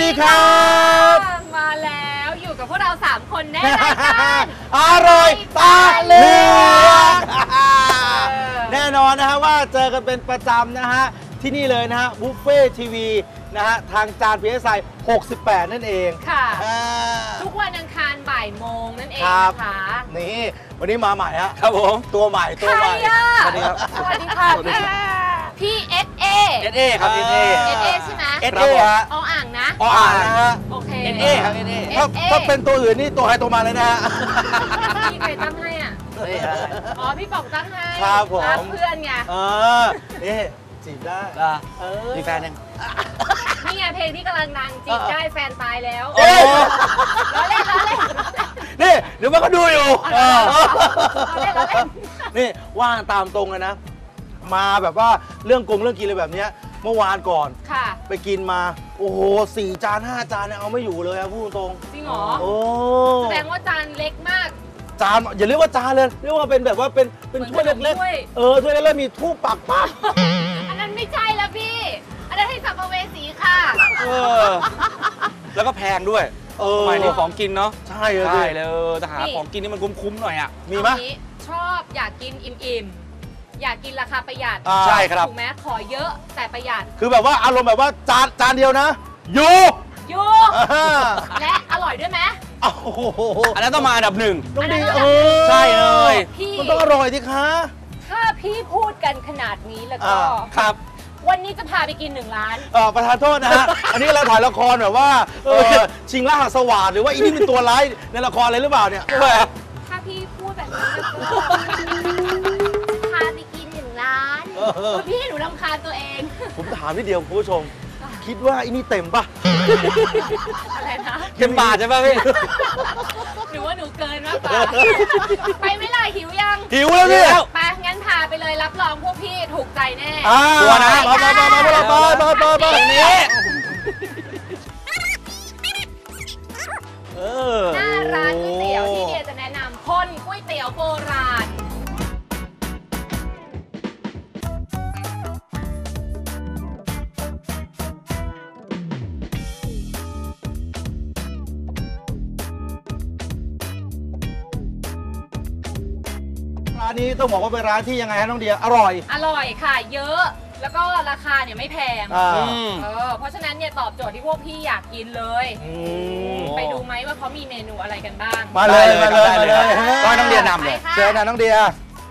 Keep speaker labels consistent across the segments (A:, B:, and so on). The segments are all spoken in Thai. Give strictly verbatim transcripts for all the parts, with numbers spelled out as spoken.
A: ดีครับ
B: มาแล้วอยู่กับพวกเราสามคนแน่นอน
A: อร่อยตาเหลือกแน่นอนนะฮะว่าเจอกันเป็นประจำนะฮะที่นี่เลยนะฮะบุฟเฟ่ทีวีนะฮะทางจาน พี เอส ไอ หกสิบแปดนั่นเอง
B: ค่ะทุกวันอังคารบ่ายโมงนั่นเองนะคะ
A: นี่วันนี้มาใหม่ฮะ
C: ครับผม
A: ตัวใหม่ตัวใหม่
B: สวัสดีครับสวัสดีค่ะพี่เอสเอ
C: เอสเอครับเอสเอ
B: เอสเอใช่ไหม
A: เอสเอฮะ
B: ออ่างนะ
A: ออ่างนะฮะ
B: โอเค
C: เอสเอครับเอสเอ
A: ถ้าถ้าเป็นตัวอื่นนี่ตัวใครตัวมาเลยนะฮะ
B: พี่ใครตั้งให้อ่ะอ๋อพี่ป๋องตั้งให้
A: ครับผม
B: เพื่อนไง
A: เออนี่จีบได้
C: เออมีแฟนยัง
B: นี่ไงเพลงที่กำลังดังจีบได้แฟนตายแล้วล้อเล่นล้อเล่น
A: นี่เดี๋ยวมันก็ดูอยู่
B: ล้อเล่นล้อเล่น
A: นี่ว่างตามตรงเลยนะมาแบบว่าเรื่องกงเรื่องกินอะไรแบบนี้เมื่อวานก่อนไปกินมาโอ้โหสี่จานห้าจานเนี่ยเอาไม่อยู่เลยครับพูดตรง
B: จริงเหรอ
A: โอ้
B: แสดงว่าจานเล็กมาก
A: จานอย่าเรียกว่าจานเลยเรียกว่าเป็นแบบว่าเป็นเป็นถ้วยเล็กๆเออถ้วยเล็กๆมีทูบปักปัก
B: อันนั้นไม่ใช่แล้วพี่อันนั้นให้สัมภเวสีค่ะ
C: เออแล้วก็แพงด้วย
A: เออ
C: สมัยนี้ของกินเนาะ
A: ใช่เลย
C: ใช่เลยแต่หาของกินนี่มันคุ้มๆหน่อยอ่ะ
A: มีไหม
B: ชอบอยากกินอิ่มๆอยากกินราคาประหยัด
C: ใช่ครับ
B: ถูกไหมขอเยอะแต่ประหยัด
A: คือแบบว่าอารมณ์แบบว่าจานจานเดียวนะอยู่
B: อยู่และอร่อยด้วยไหม
A: โอ้โห
C: อันนั้นต้องมาอันดับหนึ่ง
A: ต้องดีเอ
C: อใช่เลย
A: มันต้องอร่อยสิคะ
B: ถ้าพี่พูดกันขนาดนี้แล้วก็
A: ครับ
B: วันนี้จะพาไปกินหนึ่งร้าน
A: เออประธานโทษนะฮะอันนี้เราถ่ายละครแบบว่าชิงล่าสวัสดิ์หรือว่าอีนี่เป็นตัวร้ายในละครอะไรหรือเปล่าเนี่ย
B: ถ้าพี่พูดแบบนี้แล้วก็พาไปกินหนึ่งร้านพี่ให้หนูรำคาญตัวเอง
A: ผมถามนิดเดียวคุณผู้ชมคิดว่าอีนี่เต็มป่ะ
B: อะไรนะ
C: เต็มบาทใช่ป่ะพี่
B: หรือว่าหนูเกินมากกว่าไปไม่ล่ะหิวยัง
A: หิวแล้วพี่
B: ไปงั้นพาไปเลยรับรองพวกพี่ถูกใจแน่
A: ชัวร์นะมามามามามามามามา
C: นี้
B: หน้าร้านก๋วยเตี๋ยวที่เดียจะแนะนำพ่นก๋วยเตี๋ยวโบราณ
A: ร้านนี้ต้องบอกว่าเป็นร้านที่ยังไงฮะน้องเดียอร่อย
B: อร่อยค่ะเยอะแล้วก็ราคาเนี่ยไม่แพงเออเพราะฉะนั้นเนี่ยตอบโจทย์ที่พวกพี่อยากกินเลยไปดูไหมว่าเขามีเมนูอะไรกันบ้าง
A: มาเลยมาเลยมาเลย
C: ก็น้องเดียนำเลย
A: เชิญนะน้องเดีย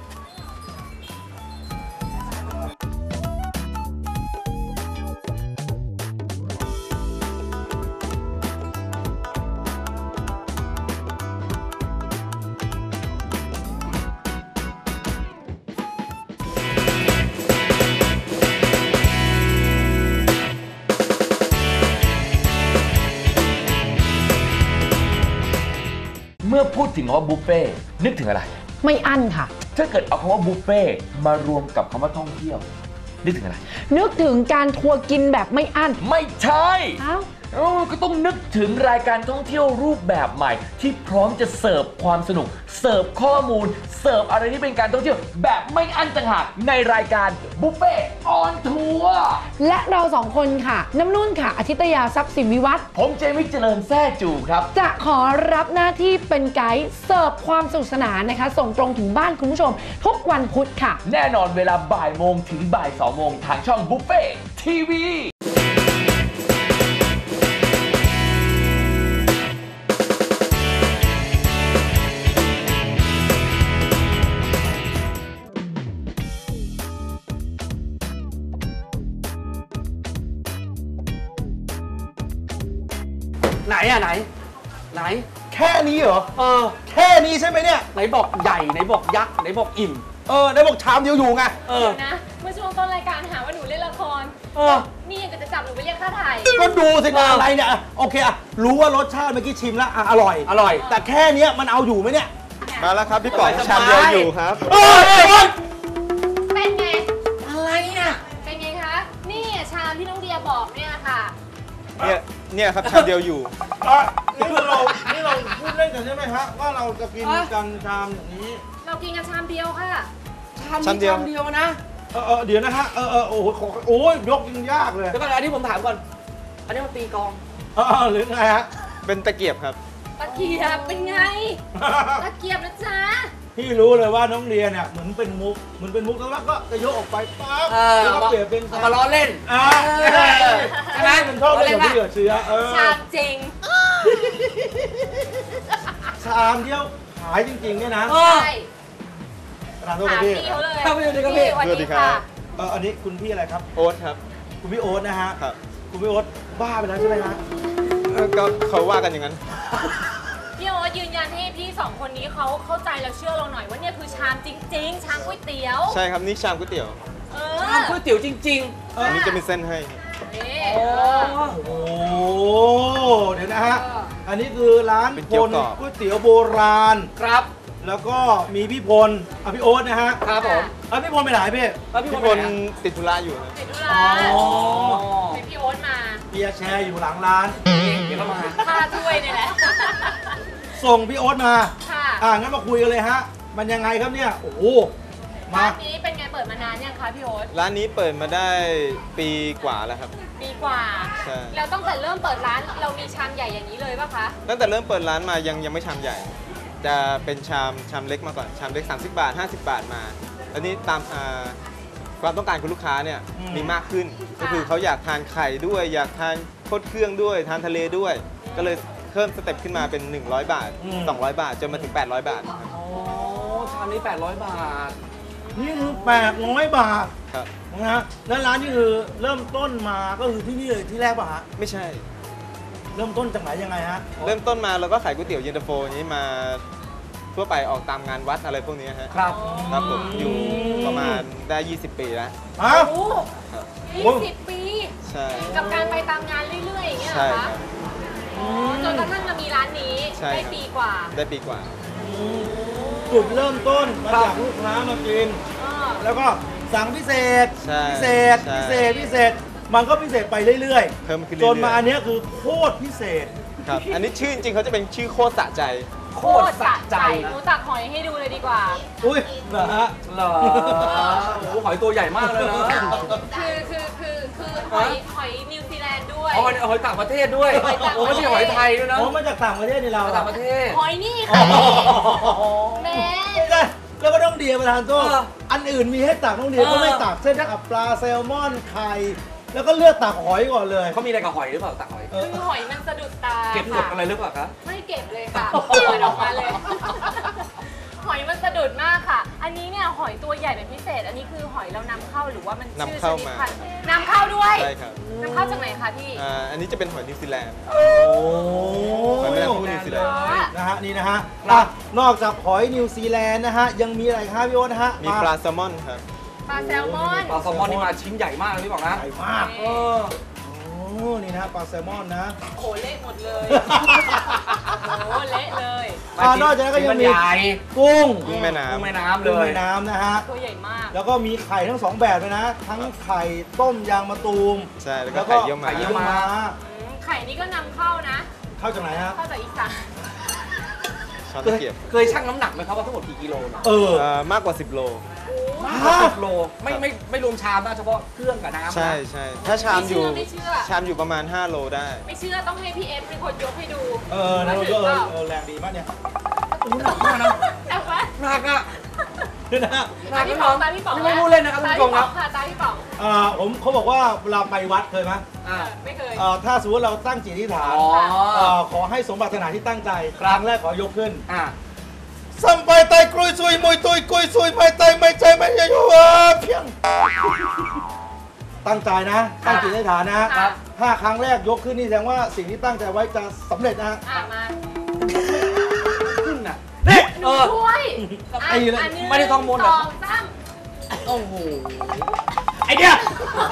D: เมื่อพูดถึงคำว่าบุฟเฟ่นึกถึงอะไร
E: ไม่อั้นค่ะ
D: ถ้าเกิดเอาคำว่าบุฟเฟ่มารวมกับคำว่าท่องเที่ยวนึกถึงอะไร
E: นึกถึงการทัวร์กินแบบไม่อั้น
D: ไม่ใช่
E: อ้าว
D: ก็ต้องนึกถึงรายการท่องเที่ยวรูปแบบใหม่ที่พร้อมจะเสิร์ฟความสนุกเสิร์ฟข้อมูลเสิร์ฟอะไรที่เป็นการท่องเที่ยวแบบไม่อั้นต่างหากในรายการบุฟเฟ่ออนทัวร์
E: และเราสองคนค่ะน้ำนุ่นค่ะอาทิตยาทรัพย์สินวิวัฒน์
D: ผมเจมิกเจริญแซ่จูครับ
E: จะขอรับหน้าที่เป็นไกด์เสิร์ฟความสนุกสนานนะคะส่งตรงถึงบ้านคุณผู้ชมทุกวันพุธค่ะ
D: แน่นอนเวลาบ่ายโมงถึงบ่ายสองโมงทางช่องบุฟเฟ่ทีวี
C: ไหนอะไหนไหน
A: แค่นี้เหรอ
C: เออ
A: แค่นี้ใช่ไหมเนี่ย
C: ไหนบอกใหญ่ไหนบอกยักษ์ไหนบอกอิ่ม
A: เออไหนบอกชามเดียวอยู่ไง
B: เออนะเมื่อช่วงต้นรายการหาว่าหนูเล่นละครเออนี่ยังจะจับหนูไปเรียกค่าถ่าย
A: ก็ดูสิอะไรเนี่ยโอเคอะรู้ว่ารสชาติเมื่อกี้ชิมแล้วอร่อย
C: อร่อย
A: แต่แค่นี้มันเอาอยู่ไหมเนี่ย
F: มาแล้วครับพี่ป๋องชามเดียวอยู่ครับ
B: เป็นไง
C: อะไรเนี่ย
B: เป็นไงคะนี่ชามที่น้องเดียบอกเนี่ยค่ะ
F: เนี่ยเนี่ยครับชามเดียวอยู่
A: นี่เรานี่เราพูดเล่นกันใช่ไหมฮะว่าเราจะกินกันชามอย่างนี้
B: เรากินกันชามเดียวค่ะ
C: ชามเดียวชามเดียวนะ
A: เออเดี๋ยวนะฮะเออเออโอ้โหโอ้ยยกยังยากเลย
C: แล้วก็อันนี้ผมถามก่อนอันนี้มันตีกอง
A: อ๋อหรือไงฮะ
F: เป็นตะเกียบครับ
B: ตะเกียบเป็นไง ตะเกียบนะจ๊ะ
A: พี่รู้เลยว่าน้องเรียนเนี่ยเหมือนเป็นมุกเหมือนเป็นมุกแล้วก็จะยกออกไปปั๊บ
C: เออ
A: แล้วก็เปลี่ยนเป็น
C: เอามาล้อเล่น
A: อ่า
C: ใช่ไหม
A: เป็นท่อเป็นที่เหลือเชื้อเออ
B: ชามจริง
A: ชามเดียวขายจริงๆเนี่ยนะ
C: เออ
B: ใช่
A: ร้านโทษ
B: ถาม
A: พี่
B: พี่เขาเลย
C: เข้าไปดูดิครับพี่
B: สวัส
F: สวัสดี
B: ดี
F: ครั
B: ค่ะ
F: บ
A: เอออันนี้คุณพี่อะไรครับ
F: โอ๊ตครับ
A: คุณพี่โอ๊ตนะฮะ
F: ครับ
A: คุณพี่โอ๊ตบ้าไปแล้วใช่ไหมฮะ
F: เอ่อก็เขาว่ากันอย่างนั้น
B: พี่โอ๊ตยืนยันให้พี่สองคนนี้เขาเข้าใจแล้วเชื่อเราหน่อยว่าเนี่ยคือชามจริง ๆ ชามก๋วยเตี๋ยว
F: ใช่ครับนี่ชามก๋วยเตี๋ยว
B: เอ
C: ชาม
B: อ
C: ก๋วยเตี๋ยวจริง
A: เออ
F: อันนี้จะมีเส้นให้ครับ
B: นี่
C: ๆ
B: เออ
A: โอ้โหเดี๋ยวนะฮะ
B: เออ
A: อันนี้คือร้าน
F: เป็น
A: พ
F: เกี๊ยว
A: ล
F: กรอบ
A: ก๋วยเตี๋ยวโบราณ
C: ครับ
A: แล้วก็มีพี่พลอ่ะพี่โอ๊ตนะฮะ
C: ครับผม
A: อ่ะพี่พลไปไหนพี่
C: แล้วพี่
F: พี่
C: พ
F: พ
C: ล
F: ล
C: ไปไหนอะ
F: ติดธุระอยู่นะ
B: ติดธุ
A: อ๋
B: ระ
A: อ
B: เป็นพี่โอ๊ตมา
A: เบียร์แชร์อยู่หลังร้าน
C: เดี๋ยวเข้ามา
B: ค่าถ้วยเนี่ยแหละ
A: ส่งพี่โอ๊ตมา
B: ค่ะ
A: อ่ะงั้นมาคุยกันเลยฮะ มันยังไงครับเนี่ย โอ้โห มา
B: ร้านนี้เป็นไงเปิดมานานยังคะพี่โอ๊ต
F: ร้านนี้เปิดมาได้ปีกว่าแล้วครับ
B: ปีกว่า
F: ใช่
B: แล้วตั้งแต่เริ่มเปิดร้านเรามีชามใหญ่อย่างนี้เลยป่ะคะ
F: ตั้งแต่เริ่มเปิดร้านมายังยังไม่ชามใหญ่ จะเป็นชามชามเล็กมาก่อน ชามเล็ก สามสิบบาท ห้าสิบบาทมา แล้วนี้ตามอ่าความต้องการของลูกค้าเนี่ย
A: อืม
F: มีมากขึ้น
B: ค่ะ
F: ก็คือเขาอยากทานไข่ด้วย อยากทานโคตรเครื่องด้วย ทานทะเลด้วย ก็เลยเพิ่มสเต็ปขึ้นมาเป็น หนึ่งร้อยบาท สองร้อยบาท จนมาถึง แปดร้อยบาทครับ
C: โอ้ชามนี้แปดร้อยบาท
A: นี่คือแปดร้อยบาท
F: ครับ
A: นะฮะ แล้วร้านนี่คือเริ่มต้นมาก็คือที่นี่เลยที่แรกป่ะฮะ
F: ไม่ใช่
A: เริ่มต้นจากไหนยังไงฮะ
F: เริ่มต้นมาเราก็ขายก๋วยเตี๋ยวเย็นตาโฟอย่างนี้มาทั่วไปออกตามงานวัดอะไรพวกนี้ฮะ
C: ครับ
F: ครับผมอยู่ประมาณได้ ยี่สิบ ปีแล้ว
A: ฮะ
B: โอ้
F: ครับ
B: ยี่สิบปี
F: ใช่
B: กับการไปตามงานเรื่อยๆอย่างเงี้ยเหร
F: ใช่
B: อ
F: ค
B: คะ
F: รับ
B: อ๋อจนกระทั่งมามีร้านนี้
F: ใช่
B: ได้
F: ครับ
B: ปีกว่า
F: ได้ปีกว่า
A: จุดเริ่มต้นมาจากลูกค้ามากิน
B: อ๋อ
A: แล้วก็สั่งพิเศษ
F: ใช่
A: พิเศษ
F: ใช่
A: พิเศษ พิเศษ มันก็พิเศษไปเรื่อย
F: เพิ่มขึ้น
A: ๆ
F: เรื่
A: จ
F: อยๆ
A: นมาอันเนี้ยคือโคตรพิเศษ
F: ครับ อันนี้ชื่อจริงๆเขาจะเป็นชื่อโคตรสะใจ
C: โคตรสะใจ
B: หนูตักหอยให้ดูเลยดีกว่า
A: อุ้ยเหรอฮะ
C: เหรอโอ้โหหอยตัวใหญ่มากเลยนะ
B: คือคือคือคือหอยหอยนิวซีแลนด์ด้วย
C: เอาหอยหอยต่างประเทศด้วย
B: หอยต่างประเทศ
C: โอ้ไม่ใช่หอยไทยด้วยนะ
A: โอ้มาจากต่างประเทศนี่เรา
C: หอยต่างประเทศ
B: หอยนี่ค่ะแม่
A: ไม่ได้แล้วก็ต้องเดียประธานโทษ
C: เออ
A: อันอื่นมีให้ตักต้องเดีย
C: เออ
A: ก็ไม่ตักเส้นตักปลาแซลมอนไข่แล้วก็เลือกตักหอยก่อนเลย
C: เขามีอะไรกับหอยหรือเปล่าตักหอย
A: เออ
B: คือหอยมันสะดุดตา
C: เก็บกด
B: ค่ะ
C: อะไรหรือเปล่าคะ
B: ไม่เก็บเลยค่ะเปิดออกมาเลย หอยมันสะดุดมากค่ะ อันนี้เนี่ยหอยตัวใหญ่เป็นพิเศษ อันนี้คือหอยเรานำเข้าหรือว่ามันชื่อช
F: นำเข้า
B: นิด
F: มา
B: พันธุ์นำเข้าด้วย
F: ใช่ครับ
B: นำเข้าจากไหนคะพี่
F: อ่าอันนี้จะเป็นหอยนิวซีแลนด์
A: โอ้
F: หอยแมลงภู่นิวซีแลนด์
A: นะฮะนี่นะฮะอ่ะนอกจากหอยนิวซีแลนด์นะฮะยังมีอะไรครับพี่โอ๊ตนะฮะ
F: มีปลาแซลมอนครับ
B: ปลาแซลมอน
C: ปลาแซลมอนนี่มาชิ้นใหญ่มากเลยพี่บอกนะ
A: ใหญ่มาก
C: เออ
A: โอ้นี่นะฮะปลาแซลมอนนะ
B: โอ้เละหมดเลยโอ้เละเลย
A: อ่านอกจากนั้นก็ยังมี
C: ชิ้นนใหญ่
A: กุ้ง
F: กุ้งแม่น้ำ
C: กุ้งแม่น้ำเล
A: กุ้ง
C: ย
A: แม่น้ำนะฮะ
B: ตัวใหญ่มาก
A: แล้วก็มีไข่ทั้งสองแบบเลยนะ ทั้งไข่ต้มยางมะตูม
F: ใช่ แล้วก็ไข่เยี่ยวม้า
C: ไข่เยี่ยวม้า
B: อืมไข่นี้ก็นำเข้านะ
A: เข้าจากไหนฮะ
B: เข้าจากอีสาน
F: ช้อน
C: เค
F: ตะ
C: ย
F: เกียบ
C: เคยชั่งน้ำหนักไหมครับว่าทั้งหมดกี่กิโลเนี่ย
A: เออ
F: เอ่อมากกว่า สิบ โล
A: ฮะ
C: สิบโลไม่ไม่ไม่รวมชามนะเฉพาะเครื่องกับน้ำนะ
F: ใช่ใช่ถ้าชาม
B: ไม่
F: อ
B: เชื่
F: ยู่
B: อไม่เชื่อ
F: ชามอยู่ประมาณ ห้า โลได้
B: ไม่เชื่อต้องให้พี่เอฟเป็นคนยกให้ดู
A: เออนะมันก็เออเออแรงดีมากเนี่ย
C: หนักมากนะ
B: แต่ว่า
C: หนักอ่ะ
A: นี่นะฮะ
C: หนั
B: ตาก พี่ป๋องตาพี่ป๋อง
C: นี่ไม่พูดเล่นนะครับคุณ
B: ตา
C: ผู้ช
B: พี่
C: ม
B: ป๋
C: ค
B: อ
C: รับ
B: งค่ะตาพี่ป๋อง
A: อ่าผมเขาบอกว่าเวลาไปวัดเคยไหม
C: อ่า
B: ไม่เคย
A: เอ่อถ้าสมมติเราตั้งจิตอธิษฐาน
C: อ๋อ
A: เอ่อขอให้สมบัตินาที่ตั้งใจครั้งแรกขอยกขึ้น
C: อ่า
A: สัมไปไตกรุยซุยมวยตุยกุยซุยไม่ไตไม่ใจไม่ยโยอ่ะเพียง ตั้งใจนะ ตั้งจิตอธิษฐานนะ
B: ครับ
A: ถ้าครั้งแรกยกขึ้นนี่แสดงว่าสิ่งที่ตั้งใจไว้จะสำเร็จนะฮะ
B: อ่ะมา
C: ขึ้นอ่ะ
A: นี่
B: หนูช่วย
A: ไอ้เลย
B: อันหนึ่ง
C: ไม่ได้ท่องมนต์เหร
B: ส
C: อ
B: องสาม
C: โอ้โห
A: ไอเดีย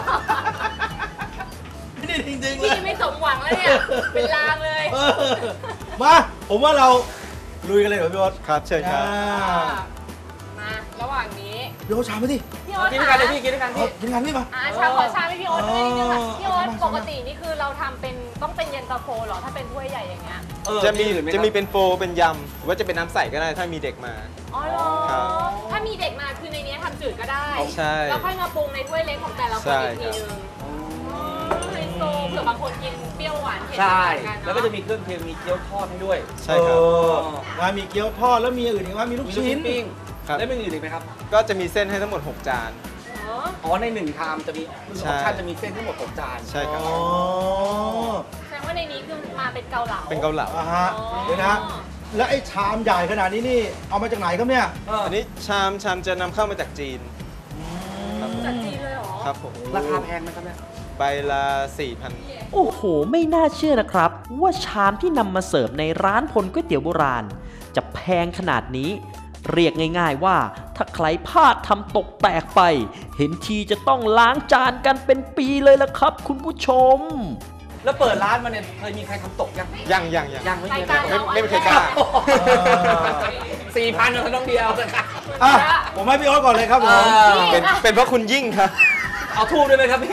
A: นี่จริงๆเล
B: พี่
A: ย
B: ไม่สมหวังแล้วเนี่ย เป็นลางเลย
A: เออมาผมว่าเราลุยกันเลยเหรอพี่โอ๊ต
F: ครับเชิญครับ
A: อ่า
B: มา ระหว่างนี้
A: พี่โอ๊ตชามไปดิ
B: พี่โอ๊ต
C: กินด้วยกันเลยพี่กินด้วยกัน
A: เอา
C: พี่
A: กินกันพี่มา
B: อ่าชาขอชาให้พี่โอ๊ตด้วยนิดนึงค่ะ
A: เออ
B: พี่โอ๊ต
A: เอามา
B: ปกตินี่คือเราทำเป็นต้องเป็นเย็นตาโฟเหรอ ถ้าเป็นถ้วยใหญ่อย่างเงี้ย
C: เออ
F: จะมี
C: อื่นไห
F: จะ
C: ครับ
F: มีเป็นโฟเป็นยำหรือว่าจะเป็นน้ำใสก็ได้ถ้ามีเด็กมา
B: อ๋อเหรอ
F: ครับ
B: ถ้ามีเด็กมาคือในนี้ทำจืดก็ได้
F: ใช่
B: แล้วค่อยมาปรุงในถ้วยเล็กของแต่ละคน
F: ใช่
B: อีกทีนึงอ๋อไฮโซเผื่ออบางคนกินเปรี้ยวหวานเผ็ด
C: ใช่
B: เหมือนกันเนอ
C: แล้วก็จะมีเครื่องเคียงมีเกี๊ยวทอดให้ด้วย
F: ใช่ครับ
A: เออนะมีเกี๊ยวทอดแล้วมีอื่นอีกว่ามีลูก
C: มีลูก
A: ชิ้
C: ชิ้
A: น
C: นปิ้ง
F: ครับ
C: แล้วมีอื่นอีกไหมครับ
F: ก็จะมีเส้นให้ทั้งหมด หก จาน
B: อ๋อ
C: อ๋อในหนึ่งชามจะมีอ
F: ใช่
C: อปชั่นจะมีเส้นทั้งหมดหกจาน
F: ใช่ครับ
A: อ๋อ
B: แสดงว่าในนี้คือมาเป็นเกาเหลา
F: เป็นเกาเหลา
A: อ่าฮะ
B: อ๋อ
A: เดี๋ยวนะ แล้วไอ้ชามใหญ่ขนาดนี้นี่เอามาจากไหนครับเนี่ย
C: เออ
F: อันนี้ชามชามจะนำเข้ามาจากจีน ครับผม
B: จากจีนเลยเหรอ
F: ครับผม
C: ราคาแพงไหมครับเนี่ย
F: ใบละ สี่พัน
G: โอ้โห ไม่น่าเชื่อนะครับ ว่าชามที่นำมาเสิร์ฟในร้านพลก๋วยเตี๋ยวโบราณ จะแพงขนาดนี้ เรียกง่ายๆว่า ถ้าใครพลาดทำตกแตกไป เห็นทีจะต้องล้างจานกันเป็นปีเลยละครับ คุณผู้ชม
C: แล้วเปิดร้านมาเนี่ยเคยมีใครทำตกยัง
F: ยังยังยัง
C: ยังไม่มี
B: รายการ
F: ไม่
B: เรา
F: ไม่มีใครกล้า
C: สี่พันเท่านั้นเดียวนะครับ
A: อ่ะ ผมให้พี่โอ๊ตก่อนเลยครับผม
C: เออ
F: เป็นเป็นเพราะคุณยิ่งครับ
C: เอาทูบด้วยไหมครับพี่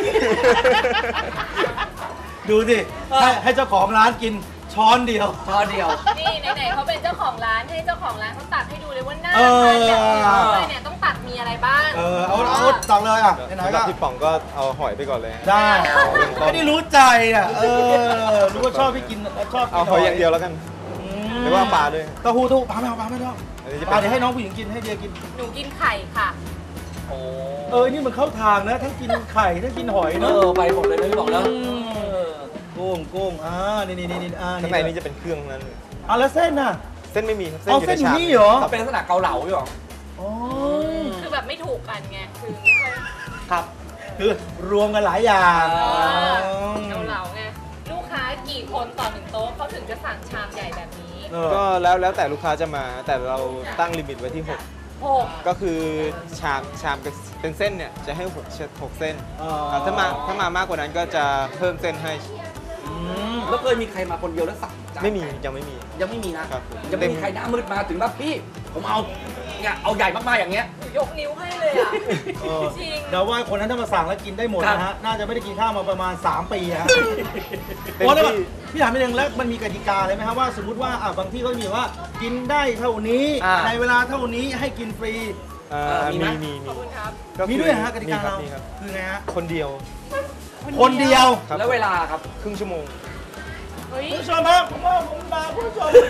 A: ดูสิ ให้ให้เจ้าของร้านกินช้อนเดียว
C: ช้อนเดียว
B: นี่ไหนๆเขาเป็นเจ้าของร้านให้เจ้าของร้านเขาตักให้ดูเลยว่าหน้า
A: เออ
B: ทานแบบนี้เลยเนี่ยต้องตักมีอะไรบ้าง
A: เออ เอาเอาตักเลยอ่ะไหน
F: สำ
A: ๆ
F: หรั
A: ก็
F: บพี่ป๋องก็เอาหอยไปก่อนเลย
A: ได้ ไม่ได้รู้ใจอ่ะ เออ รู้ว่าชอบพี่กินชอบกิน
F: เอาหอยอย่างเดียวแล้วกัน หรือว่าปลาด้วย
A: เต้าหู้เต้าหู้ปลาไม่เอาปลาไม่เอา
F: อันนี้จะ
A: ปลา
F: เป็น
A: เดี๋ยวให้น้องผู้หญิงกินให้เดียกิน
B: หนูกินไข่ค่ะ
C: โอ้
A: เออ นี่มันเข้าทางนะ ทั้งกินไข่ทั้งกินหอย
C: เอ
A: เนอะ
C: อไปหมดเลยนะพี่บอกแล้ว
A: อืมกุ้งกุ้งอ่า นี่นี่นี่อ่า
F: ข้างในนี้จะเป็นเครื่องทั้งนั้นเลย
A: อ่ะแล้วเส้นน่ะ
F: เส้นไม่มีครับ
A: เอาเส้นอยู่นี่เหรอ
C: เขาเป็นลักษณะเกาเหลาพี่บอก
A: อ๋อ
B: คือแบบไม่ถูกกันไง คือไม่ค่อย
A: ครับ คือรวมกันหลายอย่าง
C: อ๋อ
B: เกาเหลาไง ลูกค้ากี่คนต่อหนึ่งโต๊ะเขาถึงจะสั่งชามใหญ่แบบนี้
A: เออ
F: ก็แล้วแล้วแต่ลูกค้าจะมา แต่เราตั้งลิมิตไว้ที่ หก
B: หก
F: ก็คือชามชามเป็นเส้นเนี่ยจะให้หกเชหกเส้น
A: อ๋อ
F: อ่าถ้ามาถ้ามามากกว่านั้นก็จะเพิ่มเส้นให้
A: อืม
C: แล้วเคยมีใครมาคนเดียวแล้วสั่งจาน
F: ไม่มียังไม่มี
C: ยังไม่มีนะครับ
F: ผม
C: ยังไม่มีใครหน้ามืดมาถึงแบบพี่ ผมเอาเนี่ยเอาใหญ่มากๆอย่างเงี้ย
B: ยกนิ้วให้เลยอ่ะ
A: เออ
B: จริง
A: เดี๋ยวว่าคนนั้นถ้ามาสั่งแล้วกินได้หมด
C: ครับ
A: นะฮะ น่าจะไม่ได้กินข้าวมาประมาณ สาม ปีฮะ
F: เต็ม
A: โอ้แล้ว
F: ที่
A: พี่ถามนิดนึงแล้วมันมีกติกาอะไรไหมครับว่าสมมติว่าอ่ะบางที่เขามีว่ากินได้เท่านี้
C: อ่า
A: ในเวลาเท่านี้ให้กินฟรี
F: อ่า
C: เออมีไหม
F: มีมี
B: ขอบคุณครับ
F: ก็คือ
A: มีด้วยเหรอฮะกติกา
F: มีครั
A: เรา
F: บมีครับ
A: คือไงฮะ
F: คนเดียว
A: คนเดียว
F: ครับ
C: แล้วเวลาครับ
F: ครึ่งชั่วโมง
B: เฮ้ย
A: คุณผู้ชมครับผมว่าผมมาคุณผู้ชม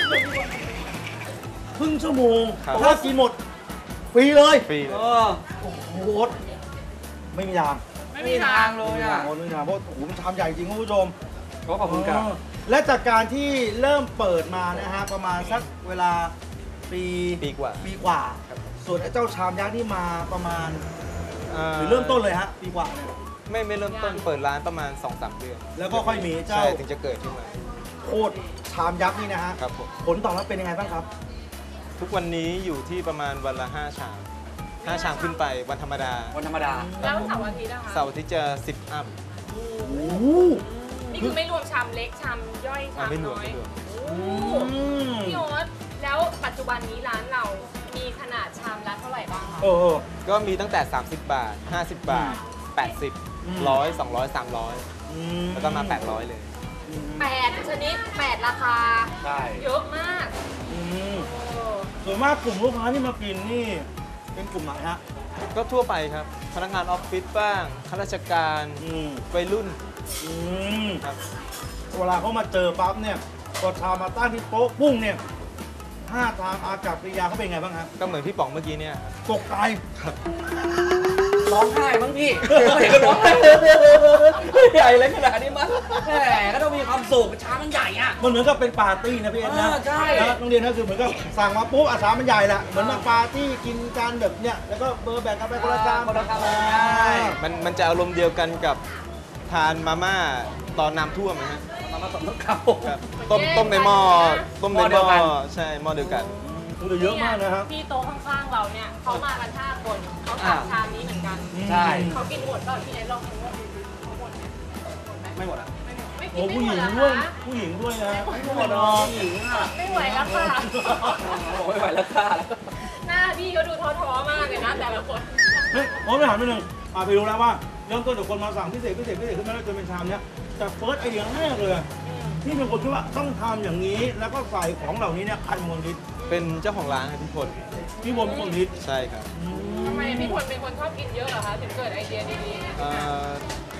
A: ครึ่งชั่วโมง
F: ครับ
A: ถ้ากินหมดฟรีเลย
F: ฟรีเล
C: เอย อ
A: โอ้โหไม่มีทาง
B: ไม่มีทาง
C: เลยอ่ะ
A: โอ้ไม่มีทางเพราะโอ้โหมันชามใหญ่จริงคุณผู้ชม
C: ก็ขอบคุณครับ
A: อ๋อและจากการที่เริ่มเปิดมานะฮะประมาณสักเวลาปี
F: ปีกว่า
A: ปีกว่า
F: ครับ
A: ส่วนไอ้เจ้าชามยักษ์นี่มาประมาณ
F: อ่า
A: หรือเริ่มต้นเลยฮะปีกว่าเนี่ย
F: ไม่ไม่เริ่มต้นเปิดร้านประมาณ สองสาม เดือน
A: แล้วก็ค่อยมีเจ้า
F: ใช่ถึงจะเกิดขึ้นมา
A: โคตรชามยักษ์นี่นะฮะ
F: ครับผม
A: ผลตอบรับเป็นยังไงบ้างครับ
F: ทุกวันนี้อยู่ที่ประมาณวันละ ห้า ชามห้าชามขึ้นไปวันธรรมดา
C: วันธรรมดา
B: แล้วเสาร์อาทิตย์นะคะ
F: เสาร์ที่จะสิบอัพ
A: โอ้โห
B: นี่คือไม่รวมชามเล็กชามย่อย
F: อ่า
B: ชาม
F: ไม่รวม
B: น้อย
F: ไม่รวม
B: โอ้
A: อืม
B: พี่โอ๊ตแล้วปัจจุบันนี้ร้านเรามีขนาดชามละเท่าไหร่บ้างคะ
A: เออเออ
F: ก็มีตั้งแต่ สามสิบบาท ห้าสิบบาท แปดสิบ
A: อืม
F: ร้อยสองร้อยสามร้อย
A: อืม
F: แล้วก็มา แปดร้อย เลย
B: แปดชนิดแปดราคา
C: ใช่
B: เยอะมาก
A: อืม
B: เออ
A: ส่วนมากกลุ่มลูกค้าที่มากินนี่เป็นกลุ่มไหนฮะ
F: ก็ทั่วไปครับ พนักงานออฟฟิศบ้างข้าราชการ
A: อืม
F: วัยรุ่น
A: อืม
F: ครับ
A: เวลาเขามาเจอปั๊บเนี่ยพอชามมาตั้งที่โต๊ะปุ้งเนี่ยท่าทางอากับกริยาเขาเป็นไงบ้างฮะ
F: ก็เหมือนพี่ป๋องเมื่อกี้เนี่ย
A: ตกใจ
C: ร้องไห้มั้งพี่ เห็นก็ร้องไห้ใหญ่เลยขนาดนี้มั้งแหมก็ต้องมีความสุขช้ามันใหญ่อ่ะ
A: มันเหมือนกับเป็นปาร์ตี้นะพี่เอ็นนะ
C: เออใช่
A: แล้วโรงเรียนก็คือเหมือนกับสั่งมาปุ๊บอาสามันใหญ่ละเหมือนมาปาร์ตี้กินกันแบบเนี้ยแล้วก็เบอร์แบ่งกันไปคนละจาน
C: คนละจาน
A: ใช่
F: มันมันจะอารมณ์เดียวกันกับทานมาม่าตอนน้ำท่วมนะฮะ
C: มามาสมทบเขา
F: ครับต้มต้มในหม้อต้มในห
C: หม้อเดียวกั
F: ม้อน ใช่หม้อเดียวกัน
A: โอ้แต่เยอะมากนะครับ
B: ที่โต๊ะข้างๆเราเนี่ยเขามากันห้าคนเขาสั่งชามนี้เหมือนกัน
C: ใช่
B: เขากินหมดก็พี่ไอ้ลองดูว่าเขาหมดไหมหมดไหม
C: ไม่หมดอ่ะ
B: ไม่กิ
A: โอ้
B: นไม่
A: ผู้
B: ห
A: ห
B: ม
A: ญิ
B: ด
A: ง
B: เหรอ
A: ด้วย
B: คะ
A: ผู้หญิงด้วยนะ
C: ไม่หมดหรอกหญิงอ่ะ
B: ไม่ไหวแล้วค่ะ
C: บอกไม่ไหวแล้วค่ะแล้ว
B: หน้าพี่เขาดูท้อๆมากเลยนะแต่ละคน
A: เฮ้ยผมไปถามนิดนึงอ่าไปรู้แล้วว่าเริ่มต้นจากคนมาสั่งพิเศษพิเศษพิเศษขึ้นมาแล้วจนเป็นชามเนี้ยแต่เฟิร์สไอเดียแรกเลยที่เป็นคนคิดว่าต้องทำอย่างนี้แล้วก็ใส่ของเหล่านี้เนี่ยใครเป็นคนคิด
F: เป็นเจ้าของร้านครับพี่พล
A: พี่บอลเป็นคนคิด
F: ใช่ครับ
B: ทำไมพี่พลเป็นคนชอบกินเยอะเหรอคะถึงเกิดไอเดียดีๆ
F: เอ่อ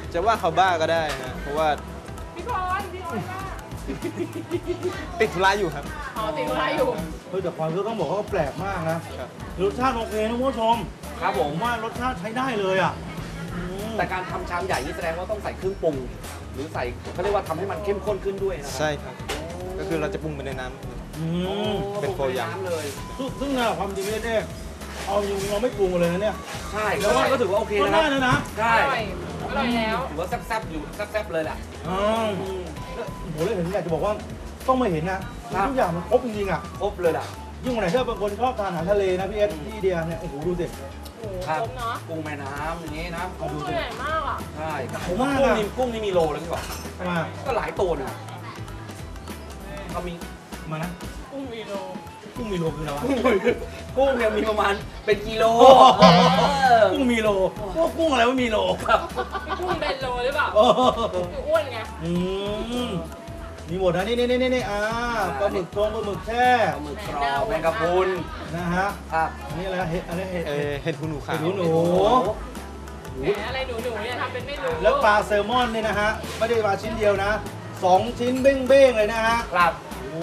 F: จะว่าเขาบ้าก็ได้นะเพราะว่า
B: พี่พรพี่พรว่า
F: ติดธุระอยู่ครับ
B: อ๋อติดอะไรอยู่
A: เฮ้ยแต่ความรู้ต้องบอกว่าแปลกมากนะครับ รสชาติโอเคนะคุณผู้ชม
C: ครับผ
A: ผม มว่ารสชาติใช้ได้เลยอ่ะอืม
C: แต่การทำชามใหญ่นี่แสดงว่าต้องใส่เครื่องปรุง หรือใส่เขาเรียกว่าทำให้มันเข้มข้นขึ้นด้วยนะครั
F: ใช่ครับ ก็คือเราจะปรุงไปในน้ำ
A: อืม
F: เป็นโฟยำ
C: น้ำเลย
A: ซึ่งซึ่งนะความจริงเนี่ยเอาจริงๆเราไม่ปรุงเลยนะเนี่ย
C: ใช่แล้วว่าก็ถือว่าโอเค
A: ก็
C: นะค
A: ได้
C: รับ
A: เลยนะ
C: ใช่
B: อร่อยอร่อยแล้ว
C: ถือว่าแซ่บๆอยู่แซ่บๆเลยแหละ
A: อ๋อโหเลยเห็นอยากจะบอกว่าต้องมาเห็นนะทุกอย่างมันครบจริงๆอ่ะ
C: ครบเลยล่ะ
A: ยิ่งวันไหนถ้าบางคนชอบทานอาหารทะเลนะพี่เอสที่อินเดียเนี่ยโอ้โหดูสิ
B: โอ้โห
C: ครับ
B: ครบเนาะ
C: กุ้งแม่น้ำอย่างนี้นะ
B: กุ้งตัวใหญ่มากอ่ะ
C: ใช่
A: ผมว่า
C: กุ้งนี่กุ้งนี่มีโลแล้วพี่บอก
A: มา
C: ก็หลายตัวนะเขามี
A: มานะ
B: กุ้งวีโล
A: กุ้งมีโลคืออะไรวะ
C: กุ้งเนี่ยมีประมาณเป็นกิโล
A: โอ้โห
C: เออ
A: กุ้งมีโลพวกกุ้งอะไรว่ามีโลครับ
B: พี่กุ้งเบนโลหรือเปล่า
A: โอ้
B: หนูอ้วนไง
A: อืมมีหมดนะนี่นี่นี่นี่อ่าปลาหมึกทงปลาหมึกแช่
C: ปลาหมึกกรอบแมงกะพรุน
A: นะฮะ
C: ครับ
A: อันนี้อะไรนะเห็ดอันนี้เห็ด
F: เอ่อเห็ดหูหนูขาว
A: เห็ดหูหนู
B: แหมอะไรหนูหนูๆเนี่ยทำเป็นไม่รู้
A: แล้วปลาแซลมอนเนี่ยนะฮะไม่ได้ปลาชิ้นเดียวนะสองชิ้นเบ้งๆเลยนะฮะ
C: ครับ
A: โอ้โห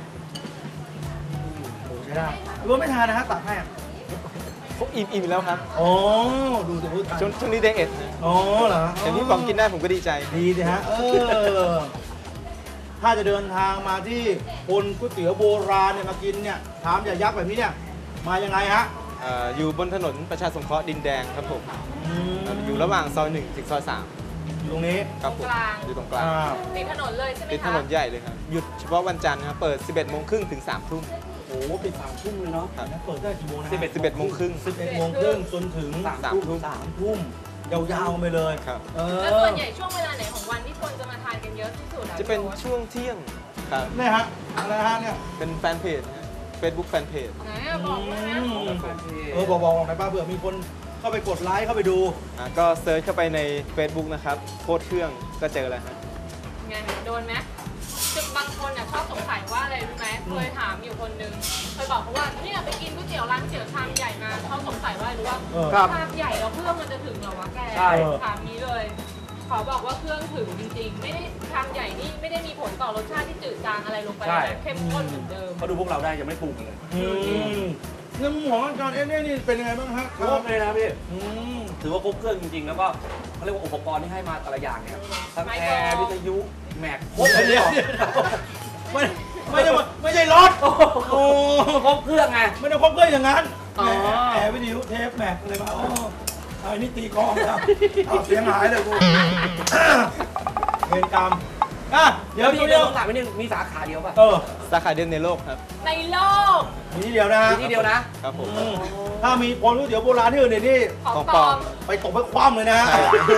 A: โอ้ใช่ได้รู้ว่าไม่ทานนะฮะตักให้อ่ะ
F: เขาอิ่มอิ่มแล้วครับ
A: อ๋อดูสิพูดทาน
F: ช่วงช่วงนี้ไดเอทนะ
A: อ๋อเหรอ
F: เห็นพี่ป๋องกินได้ผมก็ดีใจ
A: ดีสิฮะเออถ้าจะเดินทางมาที่คนก๋วยเตี๋ยวโบราณเนี่ยมากินเนี่ยถามอย่ายักษ์แบบนี้เนี่ยมายังไงฮะ
F: เอ่ออยู่บนถนนประชาสงเคราะห์ดินแดงครับผม
A: อืม
F: อยู่ระหว่างซอยหนึ่งถึงซอยสาม
A: อยู่ตรงนี้
F: ครับผมอยู่ตรงกลาง
A: อ่า
B: ติดถนนเลยใช่ไหมคะ
F: ติดถนนใหญ่เลยครับ หยุดเฉพาะวันจันทร์นะครับ เปิด สิบเอ็ดโมงครึ่งถึง สามทุ่ม
C: โอ้โหปิดสามทุ่มเลยเนาะ
F: ครับ
A: เปิดได้กี่โมงนะฮะ
F: สิบเอ็ด สิบเอ็ดโมงครึ่ง
A: สิบเอ็ดโมงครึ่งจนถึง
C: สาม
F: สาม
C: ทุ่
F: ทุ่
C: ม
F: ม
A: สามทุ่มยาวๆไปเลย
F: ครับ
A: เอ
B: แล้วส่วน
A: อ
B: ใหญ่ช่วงเวลาไหนของวันที่คนจะมาทานกันเยอะที่สุดอ
F: จะเป็น
B: พี่โอ๊ต
F: ช่วงเที่ยงครับ
A: เนี่ยฮะอะไรฮะเนี่ย
F: เป็นแฟนเพจเฟซบุ๊กแฟนเพจ
B: ไหนอะบอกมานะ
A: อืมเออบอกบอกหน่อยป้าเผื่อมีคนเข้าไปกดไลค์เข้าไปดู
F: ก็เซิร์ชเข้าไปใน Facebook นะครับโคตรเครื่องก็เจอแล้วครับ
B: ไงโดนไหมจุดบางคนอ่ะชอบสงสัยว่าอะไรรู้ไหมเคยถามอยู่คนนึงเคยบอกเขาว่าเนี่ยไปกินก๋วยเตี๋ยวร้านก๋วยเตี๋ยวชามใหญ่มาเขาสงสัยว่าอะไรรู้ว่า
A: เออ
C: ครับ
B: ชามใหญ่แล้วเครื่องมันจะถึงเหรอวะแก
C: ใช่
B: ถามนี้เลย ขอบอกว่าเครื่องถึงจริงๆ ไม่ได้ชามใหญ่นี่ไม่ได้มีผลต่อรสชาติที่จืดจางอะไรลงไป
C: ใช่
B: นะเข้มข้นเหมือนเดิม
C: เขาดูพวกเราได้ยังไม่ปรุงเลย
A: อืมเรื่องของอาจารย์เอ็นเนี่ยนี่เป็นยังไงบ้างฮะ
C: ครบเลยนะพี่
A: อืม
C: ถือว่าครบเครื่องจริงๆ แล้วก็เขาเรียกว่าอุปกรณ์ที่ให้มาแต่ละอย่างเนี่ยทั้งแอร์วิทยุแม็กครบเลย
A: เดี๋ยว
C: เนี่ย
A: เดี๋ยวไม่ไม่ได้ว่าไม่ใช่รถโอ้
C: ครบเครื่องไง
A: ไม่ได้ครบเครื่องอย่างนั้น
C: อ๋อ
A: แหมแอร์วิทยุเทปแม็กอะไรมาโอ้เอาอันนี้ตีกลองแล้วเอาเสียงหายเลยกูเวรกรรมอ่ะเดี๋ยว
C: พี่
A: เดี๋ยว
C: เดี
A: เดี๋
C: ย
A: ยว ว
C: ต้องถามนิดนึงมีสาขาเดียวป่ะ
A: เออ
F: สาขาเดียวในโลกครับ
B: ในโลก
A: มีที่เดียวนะฮะ
C: มีที่เดียวนะ
F: ครับผม
A: อืมถ้ามีคนก๋วยเตี๋ยวโบราณที่อื่นเนี่ยนี่
B: ของ
F: ของ
B: ป
F: ป
B: ล
F: ล
B: อ
F: อ
B: ม
F: ม
A: ไปตกไปคว่ำเลยนะฮะ
F: ใช่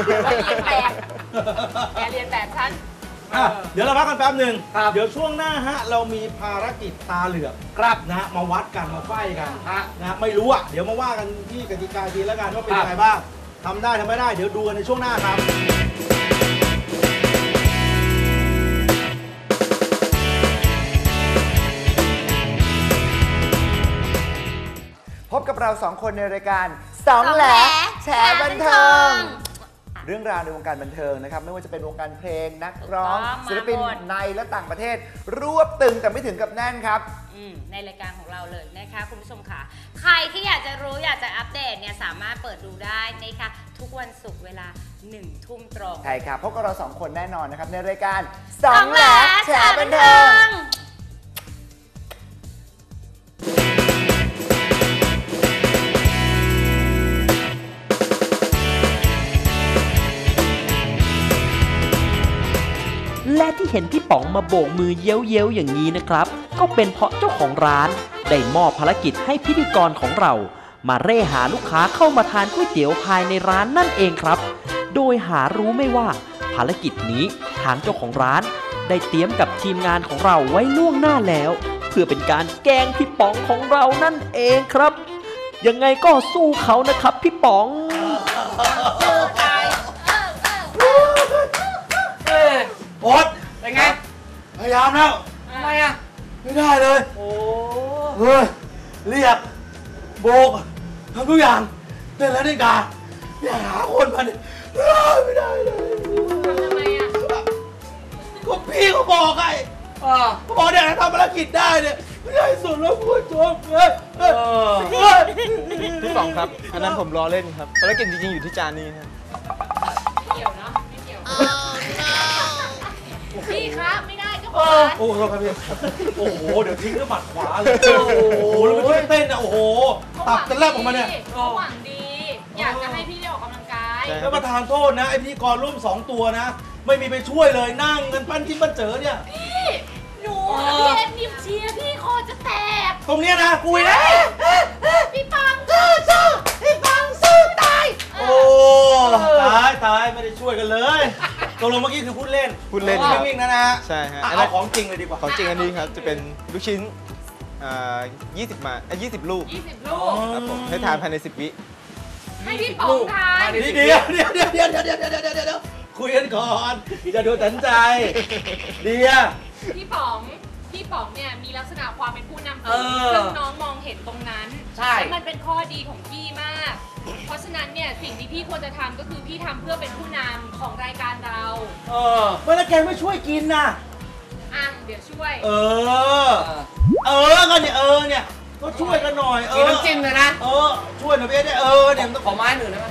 B: แกเรียนแบบฉัน
A: อ่ะเดี๋ยวเราพักกันแป๊บหนึ่ง
C: ครับ
A: เดี๋ยวช่วงหน้าฮะเรามีภารกิจตาเหลือก
C: ครับ
A: นะฮะมาวัดกันมาไฟกัน
C: ฮะ
A: นะฮะไม่รู้อ่ะเดี๋ยวมาว่ากันที่กติกาทีแล้วกันว่าเป็น
C: ครับ
A: ยังไงบ้างทำได้ทำไม่ได้เดี๋ยวดูกันในช่วงหน้าครับ
H: พบกับเราสองคนในรายการสองแหลแฉบันเทิง เรื่องราวในวงการบันเทิงนะครับไม่ว่าจะเป็นวงการเพลงนักร้อง
I: ถูกต้อง
H: ศิลปิน
I: มาหมด
H: ในและต่างประเทศ รวบตึงแต่ไม่ถึงกับแน่นครับ
I: อืมในรายการของเราเลยนะคะคุณผู้ชมค่ะ ใครที่อยากจะรู้อยากจะอัปเดตเนี่ยสามารถเปิดดูได้นะคะทุกวันศุกร์เวลาหนึ่งทุ่มตรง
H: ใช่ครับพบกับเราสองคนแน่นอนนะครับในรายการสองแหลแฉบันเทิง
G: และที่เห็นพี่ป๋องมาโบกมือเย้ยวๆอย่างนี้นะครับ ก็เป็นเพราะเจ้าของร้านได้มอบภารกิจให้พิธีกรของเรา มาเร่หาลูกค้าเข้ามาทานก๋วยเตี๋ยวภายในร้านนั่นเองครับ โดยหารู้ไม่ว่าภารกิจนี้ทางเจ้าของร้าน ได้เตรียมกับทีมงานของเราไว้ล่วงหน้าแล้ว เพื่อเป็นการแกล้งพี่ป๋องของเรานั่นเองครับ ยังไงก็สู้เขานะครับพี่ป๋อง
C: เอ้ย
A: โอ๊ต
C: เป็นไง
A: พยายามแล้ว
C: ทำไมอ่ะ
A: ไม่ได้เลย
C: โอ้
A: เฮ้ยเรียกโบกทำทุกอย่างเต้นแล้วนี่กาอยากหาคนมาเนี่ยไม่ได้เลย
B: ทำทำไมอ่ะ
A: ก็พี่เขาบอกไงเขาบอกเนี่ยทำภารกิจได้เนี่ยไม่ได้สุดแล้วผู้ชมเลยเออ
F: พี่ป๋องครับ อันนั้นผมล้อเล่นครับภารกิจจริงๆอยู่ที่จานนี้ครับ
B: ไม่เกี่ยวเนาะไม่เกี่ยวพี่ครับไม่ได้ก็บ
A: โอ้
B: อก
A: โหครับพี่โอ้โหเดี๋ยวทิ้งด้วยหมัดขวาเลยโอ้โหแล้วมันช่วยเต้นอ่ะโอ้โหตับจะแลบออกมาเนี่ย
B: เขาหวังดี อยากจะให้พี่ได้ออกกำลังกาย
A: แล้วประธานโทษนะไอพิธีกรร่วมสองตัวนะ ไม่มีไปช่วยเลยนั่งกันปั้นจิ้มปั้นเจอเนี่ย
B: พี่หนูพี่เอ็มนิมเชียร์พี่คอจะแตก
A: ตรงเนี้ยนะกุยนะ
B: พี่ปังสู้สู้พี่ปังสู้ตาย
A: โอ้ตายตายไม่ได้ช่วยกันเลยตกลงเมื่อกี้คือพูดเล่น
F: พูดเล่น
A: ไม่
F: ครับ
A: วิ่งนะนะฮะ
F: ใช่ฮะ
A: อ่ะ
F: อันนั้
A: เอา
F: น
A: ของจริงเลยดีกว่า
F: ของจริงอันนี้ครับ จะเป็นลูกชิ้นอ่ายี่สิบมาอ่ะยี่สิบลูก
B: ยี่สิบลูก
F: ครับผมให้ทานภายในสิบวิ
B: ให้พี่ป๋องทาน
A: เดี๋ยวเดี๋ยวเดี๋ยวเดี๋ยวเดี๋ยวเดี๋ยวเดี๋ยวเดี๋ยวเดี๋ยวคุยกันก่อนอย่าดูตันใจเดีย
B: พี่ป๋องพี่ป๋องเนี่ยมีลักษณะความเป็นผู้นำ
C: เออ
B: ซึ่งน้องมองเห็นตรงนั้น
C: ใช่
B: แล้วมันเป็นข้อดีของพี่มาก เพราะฉะนั้นเนี่ยสิ่งที่พี่ควรจะทำก็คือพี่ทำเพื่อเป็นผู้นำของรายการเรา
A: เออเมื่อแล้วแกไม่ช่วยกินน่ะ
B: อ่ะเดี๋ยวช่วย
A: เออ เออก็เนี่ยเออเนี่ยก็ช่วยกันหน่อยเอ
C: กิน
A: อ
C: น้ำจิ้มเลยนะ
A: เออช่วยหน่อยพี่เนี่ยเออเนี่ยมันต้อง
C: ขอไม้หนึ่งได้ไหม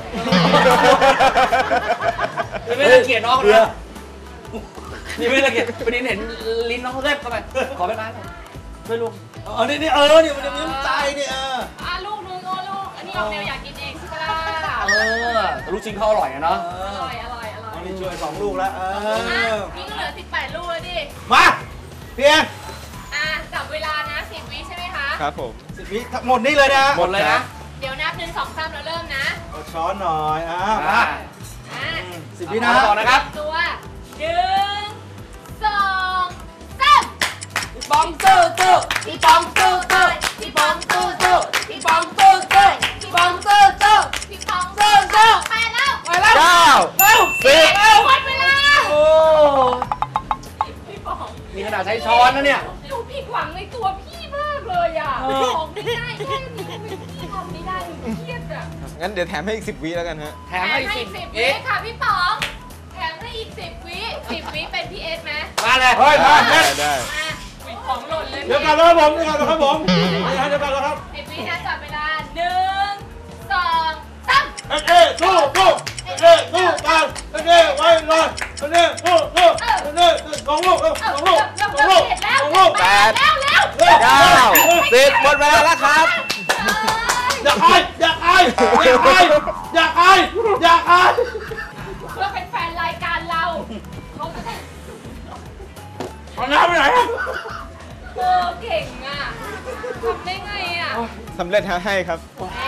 C: ไม่ได้เกลียดน้องเลยนี่ไม่ได้เกลียดประเด็นเห็นลิ้นน้องเขาแลบเข้าไปขอเป็นไม้หน่อยช่วยลูก
A: เออนี่นี่เออเนี่ยมันจะมีน้ำใจเนี่ยเออ
B: อ่ะลูกนึงโอ้ลูก อันนี้ออกแนวอยากกินเองใช่ปะล่ะ
C: เออแต่ลูกชิ้นเขาอร่อยอะเนาะ
B: อร่อยอร่อยอร่อย
A: เอานี่ช่วยสองลูกแล้วเอ
B: อ่ะ
A: อ
B: พี่ก็เหลือสิบแปดลูกแล้วดิ
A: มาเพียง
B: อ่ะจับเวลานะสิบวิใช่ไหมคะ
F: ครับผม
A: สิบวิหมดนี่เลยนะ
C: หมดเลยนะ
B: เดี๋ยวนับหนึ่งสองสามแล้วเริ่มนะ
A: เอาช้อนหน่อยอ่ะ
C: อ่า
A: มา
B: อ่ะ
A: สิบวินะ
C: เอาต่อนะครับ
B: ตัวหนึ่งสองสาม
C: พี่ปองสู้สู้พี่ปองสู้สู้พี่ปองสู้สู้พี่ปองสู้สู้พี่ปองสู้สู้
B: พี่ปอง
C: สู้สู้
B: ไปแล้ว
C: ไปแล้ว
F: เก้า
C: เร็ว
F: สิบ
C: เร็ว
B: หมดเวลา
C: โอ้
B: พี่ปอง
C: นี่ขนาดใช้ช้อนนะเนี่ย
B: หนูผิดหวังในตัวพี่มากเลยอ่ะ
C: เออ
B: ของไม่ได้แค่นี้ทำไมพี่ทำไม่ได้หนูเครียดอ่ะ
F: งั้นเดี๋ยวแถมให้อีกสิบวิแล้วกันฮะ
C: แถมให้สิบ
B: สิบวิ
C: เอ๊ะ
B: ค่ะพี่ป๋องแถมให้อีกสิบวิสิบวิเป็นพี่เอสไหม
C: มาเลย
A: เฮ้ยมา
F: ได้
A: เล่น
F: ได้
B: มาอุ๊ยของหล่นเลย
A: เดี๋ยวกันแล้วครับผมเดี๋ยวกันแล้วครับผมเดี๋ยวกันแล้วครับ
B: สิบวินะจับเวลาหนึ่งสองสาม
A: เอ๊ะเอ๊ะสู้สู้เอ๊ะเอ๊ะสู้กันเอ๊ะเอ๊ะไว้เลยเอ๊ะเอ๊ะสู้สู้เอ๊ะเอ๊ะสองลูกเอ๊ะสองลูกสองลูกสองลูก
F: แปด
B: แล้วแล้ว
F: เก้าสิบหมดเวลาแล้วครับ
A: อย่าอายอย่าอายอย่าอายอย่าอายอย่าอาย
B: เพื่อเป็นแฟนรายการเราเขาจะได้
A: เอาน้ำไปไหนอะ
B: เออเก่งอ่ะทำได้ไงอ่ะ
F: สำเร็จฮะให้ครับ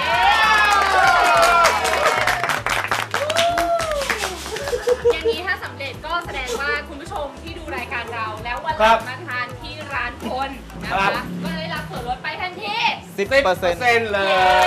B: อย่างนี้ถ้าสำเร็จก็แสดงว่าคุณผู้ชมที่ดูรายการเรา แล้ววันหลังมาทานที่ร้านพลนะคะก็ได้รับส่วนลดไปทันที
F: สิบเปอร์เซ็นต์
C: เซ็นเลย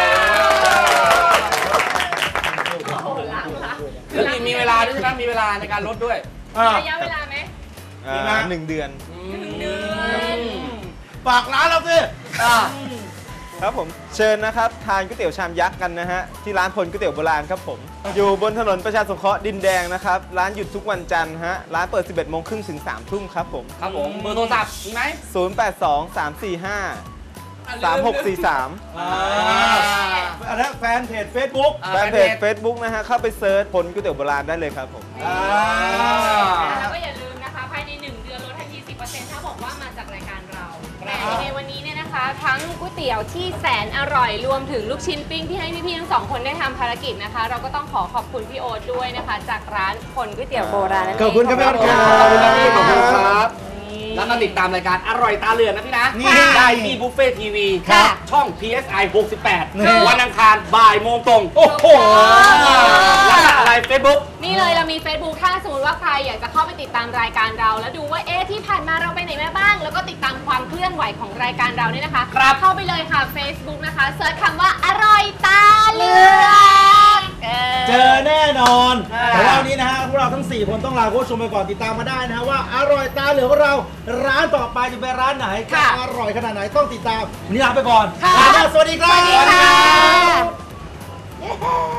B: โอ้โหล้างละ
C: แล้วมีมีเวลาด้วยใช่ไหมมีเวลาในการลดด้วย
A: อ่ะ
B: ระยะเวลาไหม
F: อ่าหนึ่งเดือน
B: หนึ่งเดือน
A: ฝากร้านเราสิ
C: อ่า
F: ครับผมเชิญนะครับทานก๋วยเตี๋ยวชามยักษ์กันนะฮะที่ร้านพลก๋วยเตี๋ยวโบราณครับผมอยู่บนถนนประชาสงเคราะห์ดินแดงนะครับร้านหยุดทุกวันจันทร์ฮะร้านเปิด สิบเอ็ดโมงครึ่งถึงสามทุ่มครับผม
C: ครับผมเบอร์โทรศัพท์มีไหม
F: ศูนย์ แปด สอง สาม สี่ ห้า สาม หก สี่ สาม
A: อ่าอันนั้นแฟนเพจ Facebook
C: อ่า
F: แฟนเพจ Facebook นะฮะเข้าไปเซิร์ชพลก๋วยเตี๋ยวโบราณได้เลยครับผม
A: อ่า
B: แล้วก็อย่าลืมนะคะภายในหนึ่งเดือนลดทันที สิบเปอร์เซ็นต์ ถ้าบอกว่ามาจากรายการเราแต่ในวันนี้เนี่ยนะคะ ทั้งก๋วยเตี๋ยวที่แสนอร่อยรวมถึงลูกชิ้นปิ้งที่ให้พี่ๆทั้งสองคนได้ทำภารกิจนะคะ เราก็ต้องขอขอบคุณพี่โอ๊ตด้วยนะคะ จากร้านพลก๋วยเตี๋ยวโบราณนั่นเอง
A: ขอบคุณครับพี่โอ๊ตครับ
C: ขอบคุณครับพี่ขอบคุณครับแล้วก็ติดตามรายการอร่อยตาเหลือกนะพี่นะ
A: นี่
C: ได้ที่บุฟเฟ่ทีวี
B: ค่ะ
C: ช่อง พี เอส ไอ หกสิบแปด
A: นี่
C: วันอังคารบ่ายโมงตรง
A: โอ้โห
C: แล้วก็อะไรเฟซบุ๊ก
B: นี่เลยเรามี Facebook ถ้าสมมติว่าใครอยากจะเข้าไปติดตามรายการเรา แล้วดูว่าเอ๊ะที่ผ่านมาเราไปไหนมาบ้าง แล้วก็ติดตามความเคลื่อนไหวของรายการเราเนี่ยนะคะ
C: ครับ
B: เข้าไปเลยค่ะ Facebook นะคะเซิร์ชคำว่าอร่อยตาเหลือก
A: เจอแน่นอน
C: อ่า
A: แต่ว่าวันนี้นะฮะพวกเราทั้งสี่คนต้องลาคุณผู้ชมไปก่อนติดตามมาได้นะฮะว่าอร่อยตาเหลือกของเราร้านต่อไปจะเป็นร้านไหนจะอร่อยขนาดไหนต้องติดตามวันนี้ลาไปก่อนลาไปแล้วสวัสดีครับ
B: สวัสดีค่ะ